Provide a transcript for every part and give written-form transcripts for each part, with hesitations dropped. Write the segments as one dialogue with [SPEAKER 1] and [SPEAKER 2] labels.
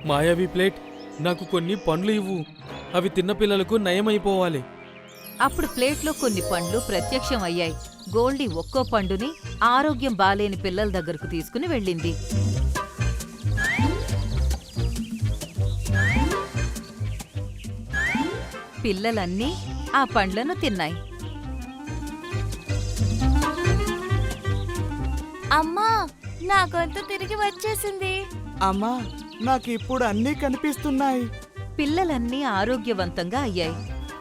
[SPEAKER 1] మాయావి ప్లేట్, నాకు కొన్ని పండ్లు ఇవ్వు. అవి తిన్న పిల్లలకు నయమైపోవాలి.
[SPEAKER 2] అప్పుడు ప్లేట్లో కొన్ని పండ్లు ప్రత్యక్షం అయ్యాయి. గోల్డీ ఒక్కో పండుని ఆరోగ్యం బాలేని పిల్లల దగ్గరకు తీసుకుని వెళ్ళింది. పిల్లలన్నీ ఆ పండ్లను తిన్నాయి.
[SPEAKER 3] అమ్మా, నా గొంతు తిరిగి వచ్చేసింది.
[SPEAKER 4] అమ్మా, నాకిప్పుడు అన్నీ కనిపిస్తున్నాయి.
[SPEAKER 2] పిల్లలన్నీ ఆరోగ్యవంతంగా అయ్యాయి.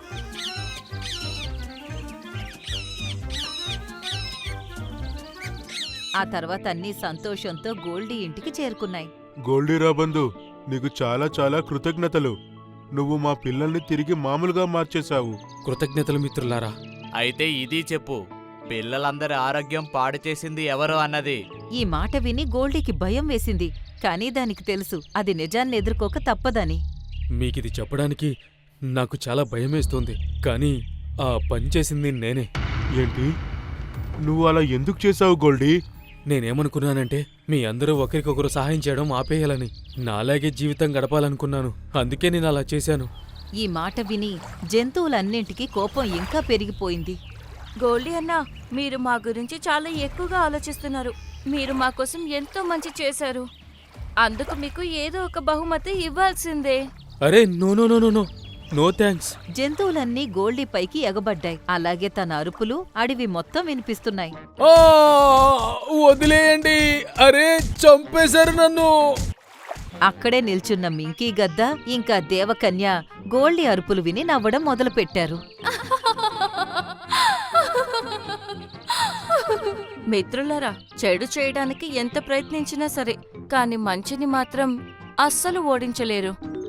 [SPEAKER 2] ఆ తర్వాత అన్నీ సంతోషంతో గోల్డీ ఇంటికి చేరుకున్నాయి.
[SPEAKER 5] గోల్డీ రాబందు, నీకు చాలా చాలా కృతజ్ఞతలు. నువ్వు మా పిల్లల్ని తిరిగి మామూలుగా మార్చేశావు.
[SPEAKER 1] కృతజ్ఞతలు మిత్రులారా.
[SPEAKER 6] అయితే ఇది చెప్పు, పిల్లలందరి ఆరోగ్యం పాడు చేసింది ఎవరు అన్నది.
[SPEAKER 2] ఈ మాట విని గోల్డీకి భయం వేసింది. కానీ దానికి తెలుసు అది నిజాన్ని ఎదుర్కోక తప్పదని.
[SPEAKER 1] మీకిది చెప్పడానికి నాకు చాలా భయమేస్తోంది, కానీ ఆ పని చేసింది నేనే.
[SPEAKER 5] ఏంటి? నువ్వు అలా ఎందుకు చేశావు గోల్డీ?
[SPEAKER 1] నేనేమనుకున్నానంటే మీ అందరూ ఒకరికొకరు సహాయం చేయడం ఆపేయాలని, నాలాగే జీవితం గడపాలనుకున్నాను. అందుకే నేను అలా చేశాను.
[SPEAKER 2] ఈ మాట విని జంతువులన్నింటికీ కోపం ఇంకా పెరిగిపోయింది.
[SPEAKER 3] గోల్డీ అన్నా, మీరు మా గురించి చాలా ఎక్కువగా ఆలోచిస్తున్నారు. మీరు మా కోసం ఎంతో మంచి చేశారు. అందుకు మీకు ఏదో ఒక బహుమతి ఇవ్వాల్సిందే.
[SPEAKER 1] అరే no no no no no no thanks.
[SPEAKER 2] జంతువులన్నీ గోల్డీ పైకి ఎగబడ్డాయి. అలాగే తన అరుపులు అడవి మొత్తం వినిపిస్తున్నాయి.
[SPEAKER 1] వదిలేయండి, అరే చంపేశారు నన్ను.
[SPEAKER 2] అక్కడే నిల్చున్న మింకీ గద్ద ఇంకా దేవకన్య గోల్డీ అరుపులు విని నవ్వడం మొదలుపెట్టారు.
[SPEAKER 3] మిత్రులారా, చెడు చేయడానికి ఎంత ప్రయత్నించినా సరే, కాని మంచిని మాత్రం అస్సలు ఓడించలేరు.